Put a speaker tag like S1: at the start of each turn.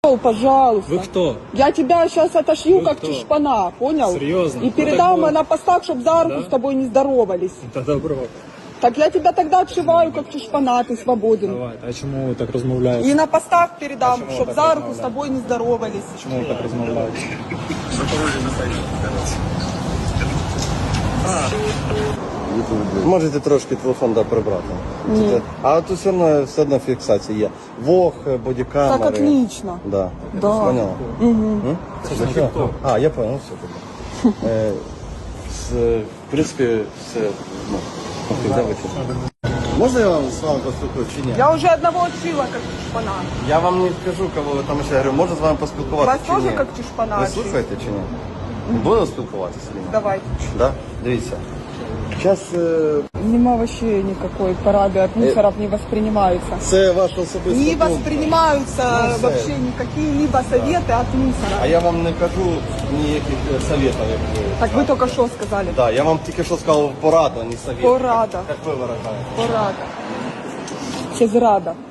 S1: Пожалуйста.
S2: Вы кто?
S1: Я тебя сейчас отошью,
S2: Вы
S1: как
S2: кто?
S1: чешпана, понял?
S2: Серьезно?
S1: И
S2: Ну,
S1: передам
S2: так
S1: на постах, чтобы за руку
S2: Да?
S1: с тобой не здоровались.
S2: Та добро.
S1: Так я тебя тогда отшиваю, как чешпана, ты свободен.
S2: Давай. А чому ви так розмовляєте?
S1: И на постах передам,
S2: Почему
S1: чтобы
S2: так
S1: за руку с
S2: размовляете?
S1: тобой не здоровались.
S2: Чому ви так розмовляєте?
S3: Можете трошки телефон прибрати.
S1: Ні.
S3: А тут все одно фіксація є. Вог, бодікамери.
S1: Так отлично.
S3: Да.
S1: Да.
S3: Поняла? Угу. А, я понял, все тоді. В принципі, все. Ну, можна я вам з вами поспілкуюсь чи ні?
S1: Я уже одного отшила, как чешпана.
S3: Я вам не скажу, кого ви там ще. Я говорю, можна з вами поспілкуватися
S1: Вас
S3: чи ні?
S1: теж як чешпана
S3: Ви
S1: отшили?
S3: слухаєте чи ні? Будемо спілкуватися? чи ні?
S1: Давайте.
S3: Да? Дивіться. Зараз
S1: Нема вообще никакой парады от мусоров не воспринимаются.
S3: це ваш особистий
S1: Не
S3: пункт.
S1: воспринимаются
S3: Ну, все.
S1: вообще никакие-либо советы от
S3: А
S1: мусора.
S3: я вам не кажу ніяких советів, як ви.
S1: Так вы только что сказали.
S3: Да, я вам тільки що сказав пораду, а не совет.
S1: Порада.
S3: Як ви виражаєте.
S1: Порада. Через рада.